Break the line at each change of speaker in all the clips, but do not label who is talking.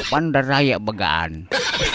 pandaraya bagaan.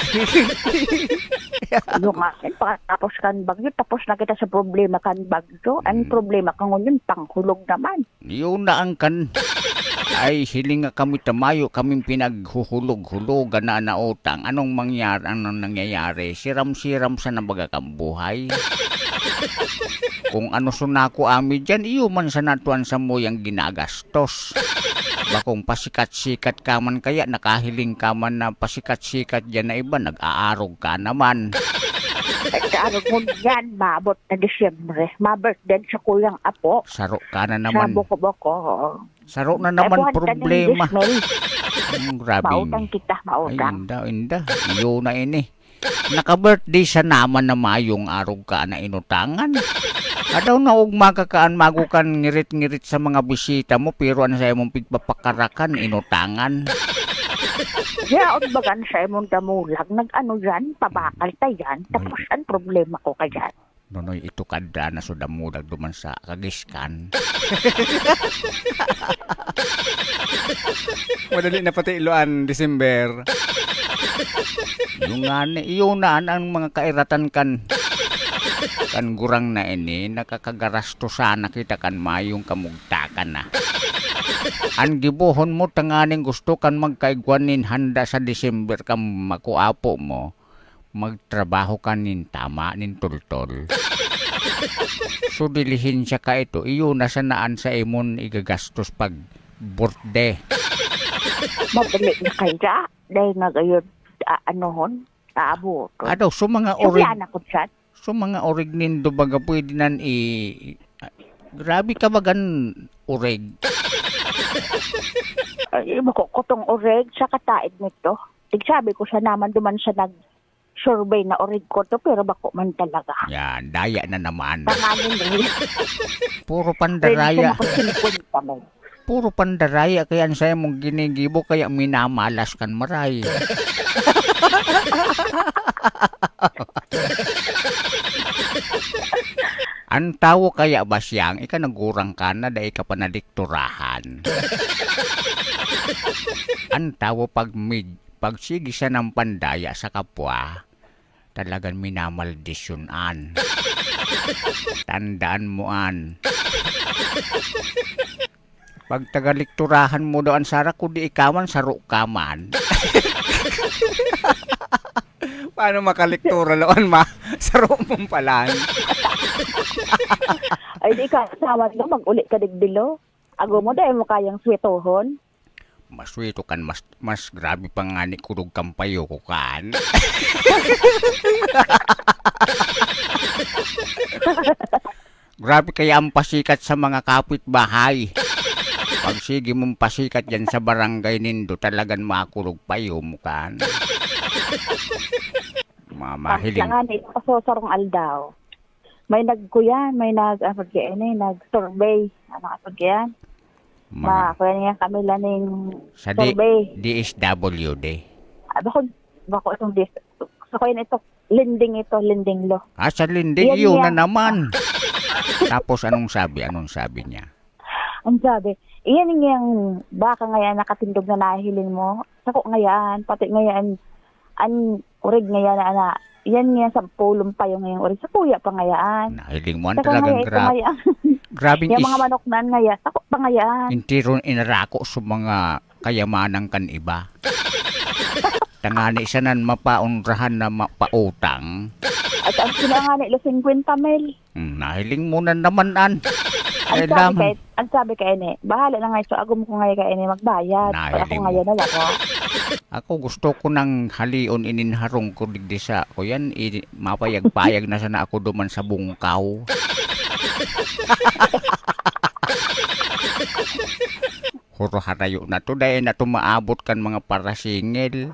Yung akin, tapos kan bagyo, tapos na kita sa problema kan bagyo. Ang problema kan ngunyan, panghulog naman.
Yun na ang kan. Ay, hiling nga kami tamayo, kaming pinaghuhulog-hulugan na nautang. Anong nangyayari? Siram-siram sa nabagakang buhay. Kung ano sunako ami dyan, iyo man sa natuan sa mo yung ginagastos. Bakong pasikat-sikat ka man kaya, nakahiling ka man na pasikat-sikat dyan na iba, nag-aarog ka naman.
Nag-aarog mo yan, maabot na Disyembre. Ma-birthday sa kuyang apo.
Saro ka na naman.
Sa buko-buko.
Saro na naman problema. Grabe.
Mautang kita, mautang.
Ay, inda. Iyo na ini. Naka-birthday sa naman na mayong arog ka na inutangan. Adaw na ugma ka kaan magukan ngirit-ngirit sa mga bisita mo pero ano sa imong pigpapakarakan inutangan.
Yaon bagan sa imong damulag nag-ano yan, pabakal ta yan. Tapos ang problema ko ka dyan.
Nonoy ito kada na so damulag duman sa kagiskan.
Madali na pati iluan, December.
Yung nga iyo na ang mga kairatan kan gurang na ini nakakagarasto sana kita kan mayong kamugtakan na. Ang gibuhon mo tanganing gusto kan magkaigwanin handa sa December kam makuapo mo. Magtrabaho ka nin tama nin tultol. So dilihin siya ka ito, iyo na sanaan sa imon igagastos pag birthday.
Mabalik na kaya, dahil nga gayon, anohon, taabo.
Adaw, so mga
Orig.
orig, so mga orig nindo baga pwede nan grabe ka bagan orig.
Ay, makukutong orig sa kataid nito. Tigsabi ko sa naman duman sa nag-survey na orig ko to, pero bako man talaga.
Yan, daya na naman.
Tanganin rin.
Puro pandaraya.
Pwede
Puro pandaraya kaya ang saya mong ginigibo kaya minamalas kan maray. Ang tawo kaya ba siyang ika nagurang ka na dahil ka panadikturahan. Ang tawo pag sige siya ng pandaya sa kapwa, talagang minamaldisyonan. Tandaan mo an. Pag tagalikturahan mo doon sara kundi ikaman saro kaman.
Paano makaliktura loon ma? Saro mong palan.
Ay, di ka kasama nyo, mag-uli ka digdilo. Ago mo dahil mo kayang swetohon.
Maswito kan mas grabe pa nga ni kurog kampayo ko kan. Grabe kaya ang pasikat sa mga kapitbahay. Pag sige mong pasikat yan sa barangay nindo, talagang makurog payo mo kan. Mamahiling.
Langan ito pasosarong aldaw. May nagkuyan, may nag-survey. Ano kapag yan? Kuya niya kami laning
sa
survey.
DSWD.
Bako itong sa kuya ito, linding lo.
Sa linding, yun na naman. Tapos anong sabi niya?
Ang sabi, iyan yung baka ngayon nakatindog na nahiling mo. Sako ngayon, pati ngayon, ang urig ngayon na yan nga sa pulong pa yung ngayong urig. Sa kuya pa ngayon.
Nahiling mo talagang grabe. Grabing
yung mga manok na ngayon, sako pa ngayon.
Intiron inarako sa mga kayamanan kan iba. Tangani siya nan mapaunrahan na mapautang.
At ang sinangani, 50 mil.
Nahiling mo na naman an.
Ang sabi kay ene, bahala na nga ito, agum ko ngayon kay ene magbayad. Ako ngayon na lang.
Ako gusto ko nang halion ininharong ko digdi sa ko yan, mapayag-payag na sana ako duman sa bungkaw. Huro harayo na to, dahil na to maabot kan mga parasingil.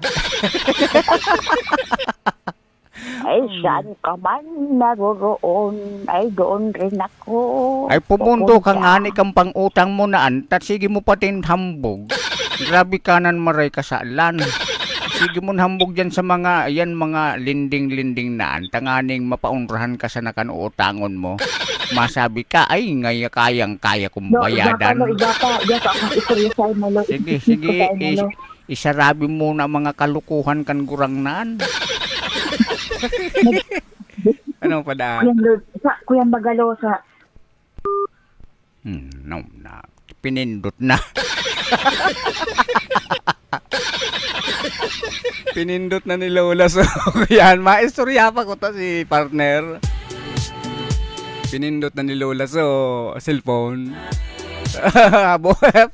Ay, saan ka man naroroon, ay doon rin ako.
Ay, pumundo ka nga ni kang pang-utang mo na antat, sige mo patin hambog. Grabe kanan maray kasalan. Sige mo hambog dyan sa mga, mga linding-linding na antanganing mapaunrahan ka sa nakanuutangon mo. Masabi ka, ay, kayang-kaya kong bayadan.
Iba ka akong isurya sa mo.
Sige, isarabi mo na mga kalukuhan kan gurangnan.
Ano pa da?
Kuyang Bagalo sa
No, na. Pinindot na.
Pinindot na ni Lola. So, yan. Maistorya pa ko to si partner. Pinindot na ni Lola so cellphone. Abo,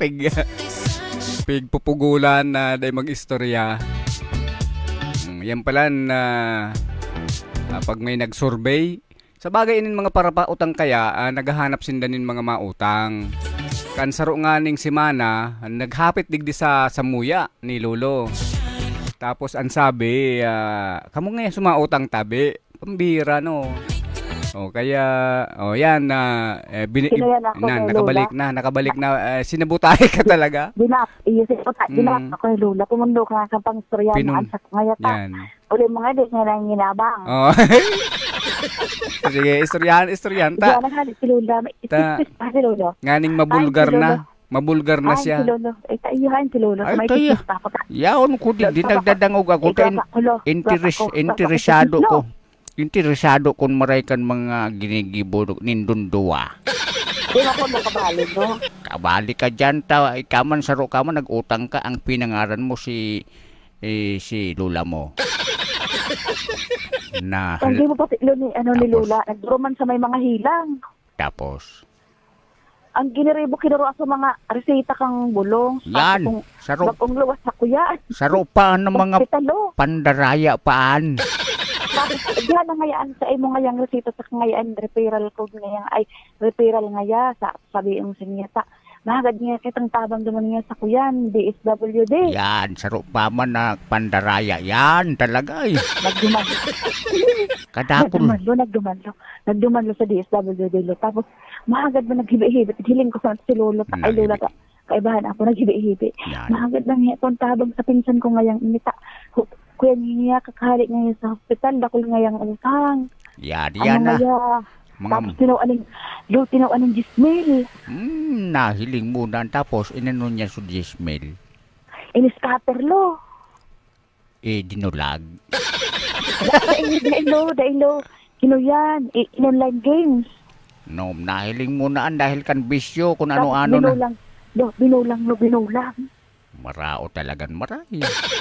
pig pupugulan na day mag-istorya. Yan pala na pag may nag-survey, sa bagay inin mga parapautang kaya, naghahanap sindanin mga mautang. Kansaro nga ning simana, naghapit digdi sa samuya ni Lolo. Tapos ang sabi, kamo nga sumautang tabi, pambira no. O kaya, yan na nakabalik na sinabutay ka talaga.
Dinap ako ni Lola. Pumundo ka sa pangstorya na sa ngayat.
Yan.
Uli mga di nga lang ginabang.
Oh. Sige, istoryan ta.
Diyan na si Lola. Si Lola.
Nganing mabulgar
Ay, si
na. Mabulgar na
Si
siya.
Lolo. Ayuhan si Lolo.
Ay,
May
tayo.
tikis pa ako.
Yaon ko di nagdadangog ako. Interesado ko. Interesado kung maray kan mga ginigibo nindundua.
Di ba ko nakabali, no?
Kabali ka dyan, ikaman saro ka man, nag-utang ka, ang pinangaran mo si Lola mo. Na,
Hindi mo pa ni Lola. Nagduroman sa may mga hilang.
tapos,
Ang giniribo kinuro sa mga reseta kang bulong.
yan, saro,
Bagong luwas sa kuya.
saro pa ng mga
Hospitalo.
pandaraya paan.
Tapos, diyan na ngayaan sa imo ngayang reseta sa ngayaan referral code ngayang ay referral ngaya sa sabi ang sinyata. Mahagad niya kitang tabang duman niya sa kuyan, DSWD.
Yan, saro pa man na pandaraya. Yan, talaga eh.
Nagduman.
Kadakol.
Nagdumanlo sa DSWD. Lo. Tapos, mahagad ba naghibi-hibi? Hiling ko sa si Lolo. Ay, Lola ka. Kaibahan ako, naghibi-hibi.
Yan.
Mahagad lang niya itong tabang sa pinsan ko ngayang inita. Kuya niya, kakahalik ngayon sa hospital. Dakol ngayang utang.
Yan,
Ano
yan na.
ngaya? Tapos
Mga,
tinawaning Gismil.
nahiling muna. Tapos, inano niya sa Gismel.
Iniscatter lo.
Dinulag.
Dailo. Kinuyan. In-online games.
No, nahiling muna dahil kan bisyo kung ano-ano na.
Binulang.
Marao talagang maray.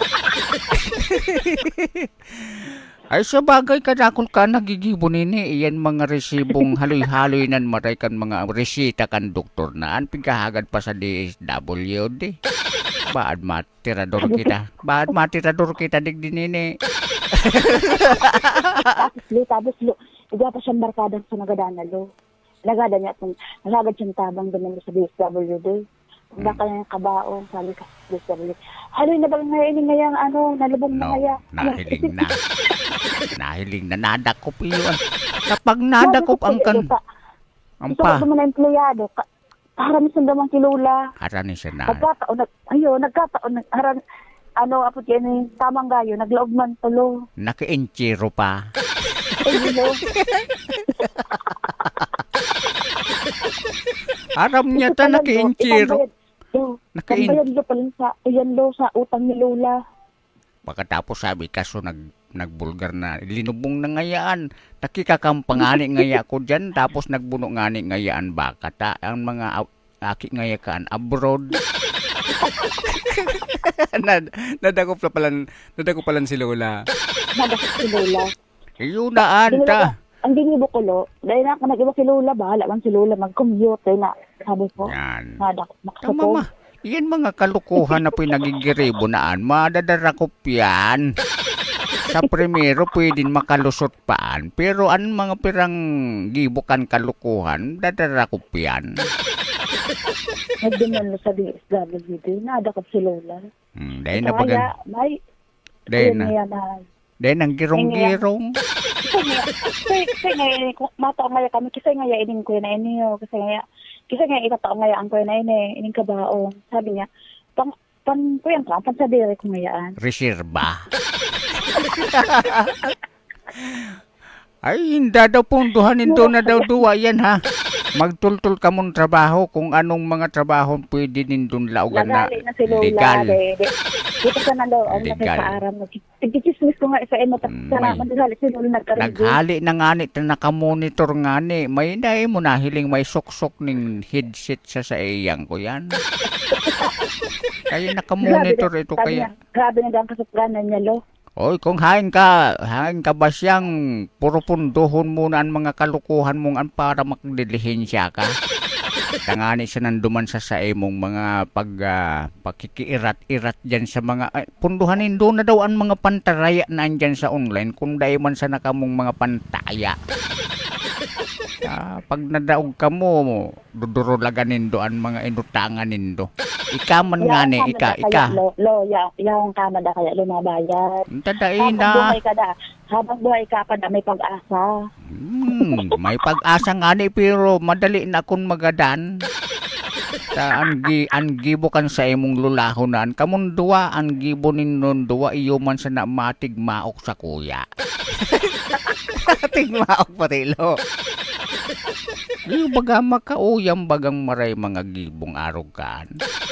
Ay sa bagay kadakol ka nagigibo nini iyan mga resibong haloy-haloy nan maray kan mga resita kan doktor na an pigkahagad pa sa DSWD. Baad matirador kita digdi nini.
Tapos iga pa siyang barkada sa nagadana lo. Nagada niya itong nagagad siyang tabang doon sa DSWD. Baka yung kabaong, sabi ka sa DSWD. Haloy na ba ngayon ngayang nalubong na ngaya?
Nahiling na nadakop iyon. Kapag nadakop ang kan ang
pa. Ito na empleyado. Harami sa damang kilula.
Harani siya na.
Nagkataon. Apot yan tamang gayo. Naglaog man tulo.
Naka-enchiro pa. Aram niya ta naka-enchiro.
Nakabayad lo pa lang sa utang ni Lola.
Pagkatapos sabi kaso nagbulgar na linubong na ngayaan. Nakikakampangani ngaya ko dyan. Tapos nagbuno ngani ngayaan baka ta. Ang mga aki ngaya kaan abroad.
Nadakop palan si Lola.
Yun naan ta.
Ang ginibo ko lo, dahil na ako nag-iba si Lola, bahala man si Lola mag-commute. Dahil na, sabi ko,
Yan.
makasupog.
Tama ma. Yan mga kalukuhan na pinagigiribo naan. Madadarakop yan. Sa primero pwedeng makalusot paan. Pero ang mga pirang gibukan kalukuhan, dadarakop yan.
Nagduman lo sa DSWD, nadakop si Lola.
Dahil na bagan. Dahil ang girong-girong.
Kasi ngayon, mataong ngaya kami, kasi ngaya ining ko na inyo, kasi ngaya itataong ngaya ang ko na ining kabaong. Sabi niya, kuyang ka, pansadiri ko ngayaan.
Reserba. Ay, hindi daw punduhanin doon na daw duwa yan ha. Magtultul ka mong trabaho kung anong mga trabaho pwede nindun laugan na
Lagali na si Lola.
legal.
Dito sa nalo, ang
Legal.
nakikaaram mo. Tigichismis ko nga sa imo. Salamat sa si Lola nagkaroon.
Naghali na nga ni, nakamonitor nga ni. May dahil mo na hiling may suksok ning headset sa iyang ko yan. Kaya nakamonitor ito kaya.
Grabe na ang kasukganan niya, lo.
Oy, kung hain ka ba siyang puro punduhon muna ang mga kalukuhan mong an para makdilihensya ka. Tangani siya nanduman sa imong mga pakikiirat-irat dyan sa mga, punduhanin doon na daw ang mga pantaraya na andyan sa online kung dahil man sa nakamong mga pantaya. Pag nadaog ka mo, dudurulagan nindo ang mga inutangan nindo. Ika man nga ni, ika.
Lo, yung kamada kaya lumabayad.
Tadain
Habang
na.
buhay ka da, habang buhay ka pa da, may pag-asa.
May pag-asa nga ni pero madali na akong magadan. Ang gibo kan sa imong lulahonan. Kamon duwa, ang gibo ninon duwa iyo man sa namatig maok sa kuya. Tigmaok patilo. Yung baga makauyam bagang maray mga gibong arogan.